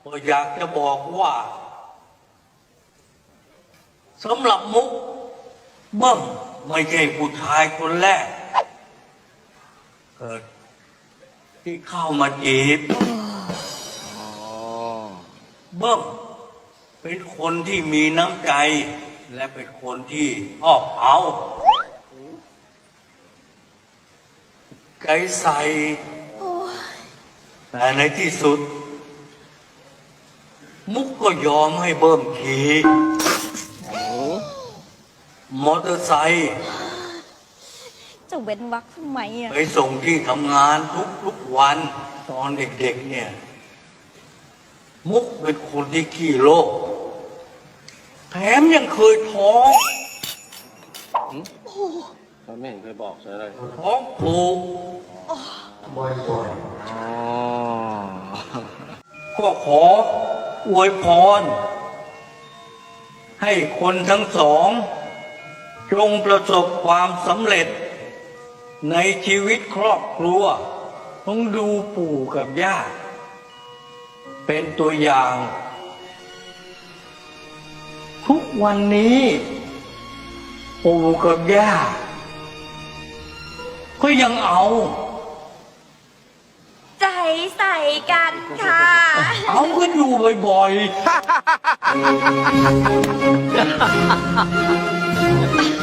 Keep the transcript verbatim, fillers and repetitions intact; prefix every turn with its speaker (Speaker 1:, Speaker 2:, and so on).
Speaker 1: ก็อยากจะบอกว่าสำหรับมุกเบิ้มไม่ใช่ผู้ชายคนแรกเกิดที่เข้ามาจีบเบิ้มเป็นคนที่มีน้ำใจและเป็นคนที่ชอบเอาใจใส่แต่ในที่สุดมุกก็ยอมให้เบิ้มขี่มอเตอร์ไซค์
Speaker 2: จะเว้นวรรคทำไมอ่ะ
Speaker 1: ไปส่งที่ทำงานทุกๆวันตอนเด็กๆเนี่ยมุกเป็นคนที่ขี้โลภแถมยังเคยท้อง
Speaker 3: เขาไม่เห็นเคยบอกใช่ไหม
Speaker 1: ท้องผูกบ่อยๆก็ขออวยพรให้คนทั้งสองจงประสบความสำเร็จในชีวิตครอบครัวต้องดูปู่กับย่าเป็นตัวอย่างทุกวันนี้ปู่กับย่าก็ยังเอา
Speaker 2: ใจใส่กันค่ะ
Speaker 1: เอากันอยู่บ่อยๆ